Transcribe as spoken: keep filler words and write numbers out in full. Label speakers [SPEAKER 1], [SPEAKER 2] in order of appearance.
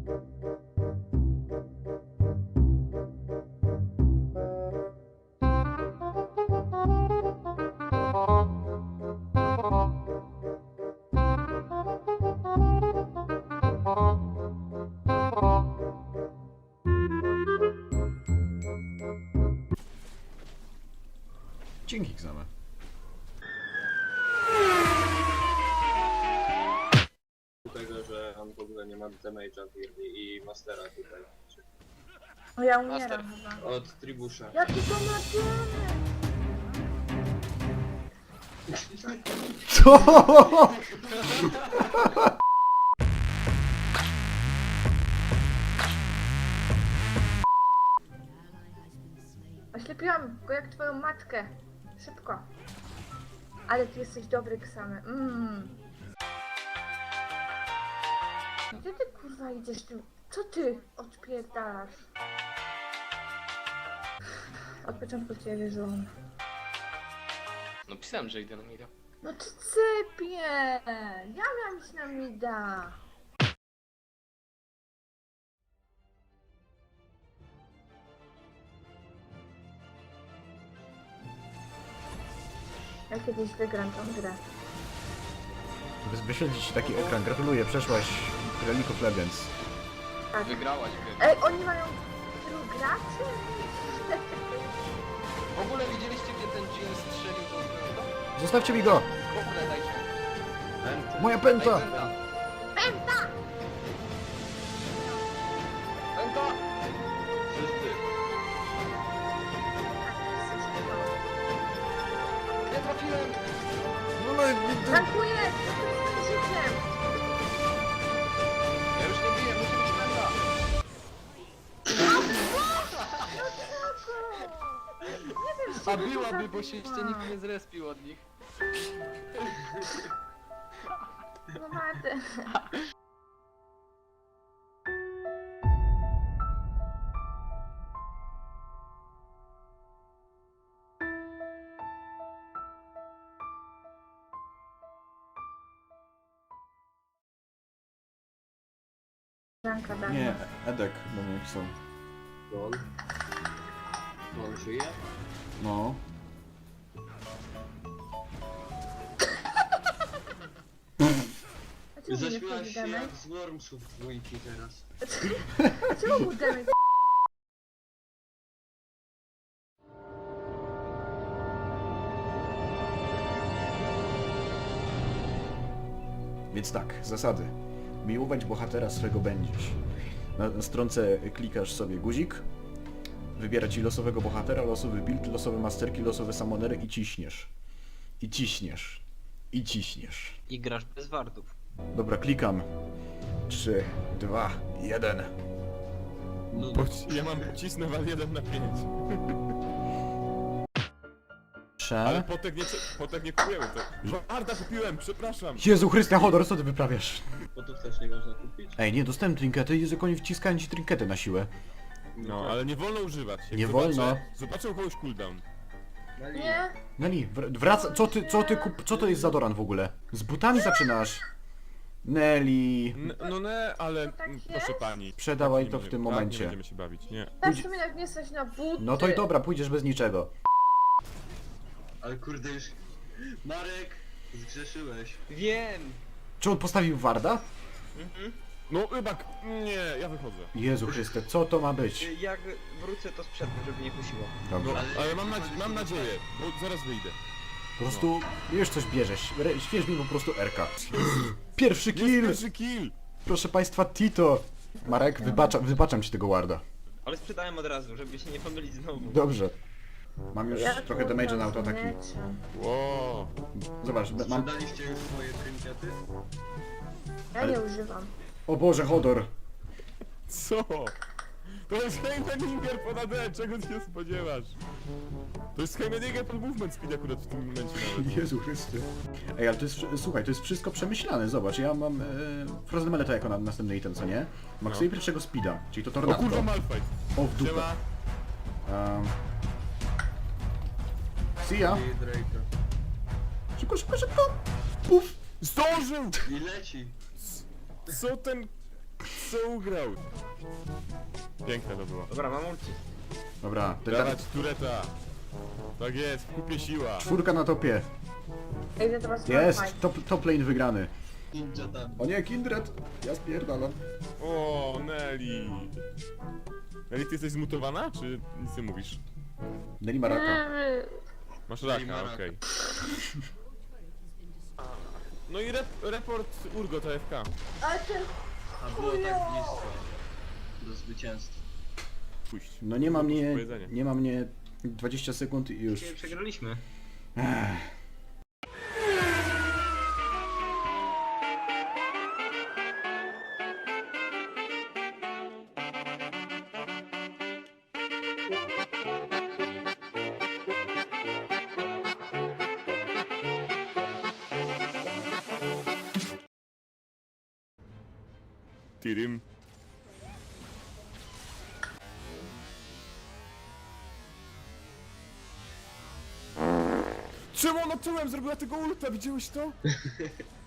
[SPEAKER 1] Dzięki, Xame.
[SPEAKER 2] Tego, że on w ogóle nie ma damage'a i, i mastera tutaj.
[SPEAKER 3] O, ja
[SPEAKER 4] Master.
[SPEAKER 3] umieram chyba.
[SPEAKER 2] Od Tribusza.
[SPEAKER 3] Jaki to ma
[SPEAKER 1] Co?
[SPEAKER 3] Oślepiłam go jak twoją matkę. Szybko. Ale ty jesteś dobry, Ksamy. Mmm. Gdzie ty kurwa idziesz tu? Co ty odpierdalasz? Od początku cię wierzyłam.
[SPEAKER 4] No pisałem, że idę na mida.
[SPEAKER 3] No ty cypie! Ja miałam iść na mida. Ja kiedyś wygram tą grę.
[SPEAKER 1] Bez wyświetlić ci taki ekran. Gratuluję, przeszłaś League of Legends.
[SPEAKER 3] Tak.
[SPEAKER 4] Wygrałaś grę.
[SPEAKER 3] Ej, oni mają tylu graczy?
[SPEAKER 4] W ogóle widzieliście, gdzie ten Jin strzelił do tego?
[SPEAKER 1] Zostawcie mi go!
[SPEAKER 4] W ogóle dajcie.
[SPEAKER 1] Moja
[SPEAKER 4] Daj
[SPEAKER 1] pęta!
[SPEAKER 4] pęta.
[SPEAKER 3] Pęta!
[SPEAKER 4] Pęta!
[SPEAKER 2] Wszyscy.
[SPEAKER 4] Nie trafiłem!
[SPEAKER 1] No, no, no,
[SPEAKER 3] Tankuję! Z życiem!
[SPEAKER 4] Ja już nie biję, musi być pęta!
[SPEAKER 3] Nie wiem,
[SPEAKER 4] A
[SPEAKER 3] czego to
[SPEAKER 4] byłaby, bo się
[SPEAKER 3] zabiła.
[SPEAKER 4] jeszcze nikt nie zrespił od nich.
[SPEAKER 3] No Marty. Janka dawno.
[SPEAKER 1] nie, Edek do mnie pisał.
[SPEAKER 2] Don. Don żyje?
[SPEAKER 1] No.
[SPEAKER 3] A czemu nie
[SPEAKER 2] Zaśmiałaś
[SPEAKER 3] wchodzi
[SPEAKER 2] się
[SPEAKER 3] damage?
[SPEAKER 2] jak z Wormsów dwójki teraz.
[SPEAKER 3] A czemu był damage?
[SPEAKER 1] Więc tak, zasady. Miłować bohatera swego będziesz. Na, na stronce klikasz sobie guzik, wybiera ci losowego bohatera, losowy build, losowe masterki, losowe summonery i ciśniesz. I ciśniesz. I ciśniesz.
[SPEAKER 4] I grasz bez wardów.
[SPEAKER 1] Dobra, klikam. trzy, dwa, jeden.
[SPEAKER 2] No,
[SPEAKER 5] Poci- ja mam pocisnę wal jeden na pięć. Ale
[SPEAKER 1] Prze...
[SPEAKER 5] potek nie, potek nie kupujemy to. Warda kupiłem, przepraszam.
[SPEAKER 1] Jezu Chryste, Hodor, co ty wyprawiasz?
[SPEAKER 2] Botów też nie można kupić.
[SPEAKER 1] Ej, nie, dostałem trinkety, Jezu, jak oni wciskają ci trinkety na siłę.
[SPEAKER 5] No, ale nie wolno używać. Jak
[SPEAKER 1] Nie
[SPEAKER 5] zobaczę,
[SPEAKER 1] wolno.
[SPEAKER 5] Zobaczę u kogoś cooldown.
[SPEAKER 2] Mali.
[SPEAKER 3] Nie?
[SPEAKER 1] Neli, wr- wraca, co ty, co ty kup, co to jest za Doran w ogóle? Z butami zaczynasz. Neli,
[SPEAKER 5] N no nie, ale
[SPEAKER 3] To tak
[SPEAKER 5] mm,
[SPEAKER 3] jest?
[SPEAKER 5] proszę pani.
[SPEAKER 1] Sprzedawaj
[SPEAKER 5] Tak
[SPEAKER 1] to
[SPEAKER 5] nie
[SPEAKER 1] w tym
[SPEAKER 5] będziemy-
[SPEAKER 1] momencie.
[SPEAKER 5] Tak, nie będziemy się bawić, nie.
[SPEAKER 3] Też w sumie jak nie stać na buty.
[SPEAKER 1] no to i dobra, pójdziesz bez niczego.
[SPEAKER 2] Ale kurde już... Marek! Zgrzeszyłeś.
[SPEAKER 4] Wiem!
[SPEAKER 1] Czy on postawił Warda?
[SPEAKER 4] Mhm.
[SPEAKER 5] No rybak, nie, ja wychodzę.
[SPEAKER 1] Jezu Chryste, co to ma być?
[SPEAKER 4] Jak wrócę, to sprzedam, żeby nie kusiło.
[SPEAKER 5] No,
[SPEAKER 1] Dobrze.
[SPEAKER 5] ale mam, nadzie mam nadzieję, bo zaraz wyjdę.
[SPEAKER 1] Po prostu już coś bierzesz. Re- Śwież mi po prostu Erka. Pierwszy
[SPEAKER 5] Jest
[SPEAKER 1] kill!
[SPEAKER 5] pierwszy kill!
[SPEAKER 1] Proszę państwa, Tito! Marek, wybacza, wybaczam ci tego Warda.
[SPEAKER 4] Ale sprzedałem od razu, żeby się nie pomylić znowu.
[SPEAKER 1] Dobrze. Mam już
[SPEAKER 3] Ja
[SPEAKER 1] trochę
[SPEAKER 3] kurwa
[SPEAKER 1] damage'a na autoataki.
[SPEAKER 3] zlecę.
[SPEAKER 5] Wow.
[SPEAKER 1] Zobacz, be- mam...
[SPEAKER 2] Sprzedaliście już swoje trinkety?
[SPEAKER 3] Ja nie używam.
[SPEAKER 1] O Boże, Hodor!
[SPEAKER 5] Co? To jest Heimeninger pod A D, czego ty się spodziewasz? To jest Heimeninger pod movement speed akurat w tym momencie nawet.
[SPEAKER 1] Jezu Chryste. Ej, ale to jest, wszy- słuchaj, to jest wszystko przemyślane, zobacz, ja mam e, Frozen Meleta jako na, następny item, co nie? Maksuję
[SPEAKER 5] No.
[SPEAKER 1] pierwszego speeda, czyli to
[SPEAKER 5] O
[SPEAKER 1] tornado.
[SPEAKER 5] kurwa Malfight.
[SPEAKER 1] O, w dupę.
[SPEAKER 5] Siema.
[SPEAKER 1] Um, see ya.
[SPEAKER 2] I Drake'a.
[SPEAKER 1] Szybko, szybko, szybko! Puf!
[SPEAKER 5] Zdążył!
[SPEAKER 2] I leci!
[SPEAKER 5] Co ten... co ugrał? Piękne to było.
[SPEAKER 2] Dobra, mam ulti.
[SPEAKER 1] Dobra, ten
[SPEAKER 5] Dawać tureta. Tak jest, w kupie siła.
[SPEAKER 1] czwórka na topie.
[SPEAKER 3] Idę teraz
[SPEAKER 1] Jest,
[SPEAKER 3] fight.
[SPEAKER 1] top, top lane wygrany.
[SPEAKER 2] Ninja tam.
[SPEAKER 1] O nie, Kindred! Ja spierdalam.
[SPEAKER 5] O, Nelly. Nelly, ty jesteś zmutowana, czy nic nie mówisz?
[SPEAKER 1] Nelly ma raka.
[SPEAKER 5] Masz
[SPEAKER 2] Nelly ma
[SPEAKER 5] raka,
[SPEAKER 2] raka.
[SPEAKER 5] okej. No i rep report Urgot A F K.
[SPEAKER 3] Ale ten...
[SPEAKER 2] A było tak blisko. Do zwycięstwa.
[SPEAKER 5] Puść.
[SPEAKER 1] No nie ma mnie,
[SPEAKER 5] Powiedzenie.
[SPEAKER 1] nie ma mnie dwadzieścia sekund i już.
[SPEAKER 2] Dzisiaj przegraliśmy.
[SPEAKER 1] Ech.
[SPEAKER 5] Tirim. Czemu ona tyłem zrobiła tego ulta? Widziałeś to?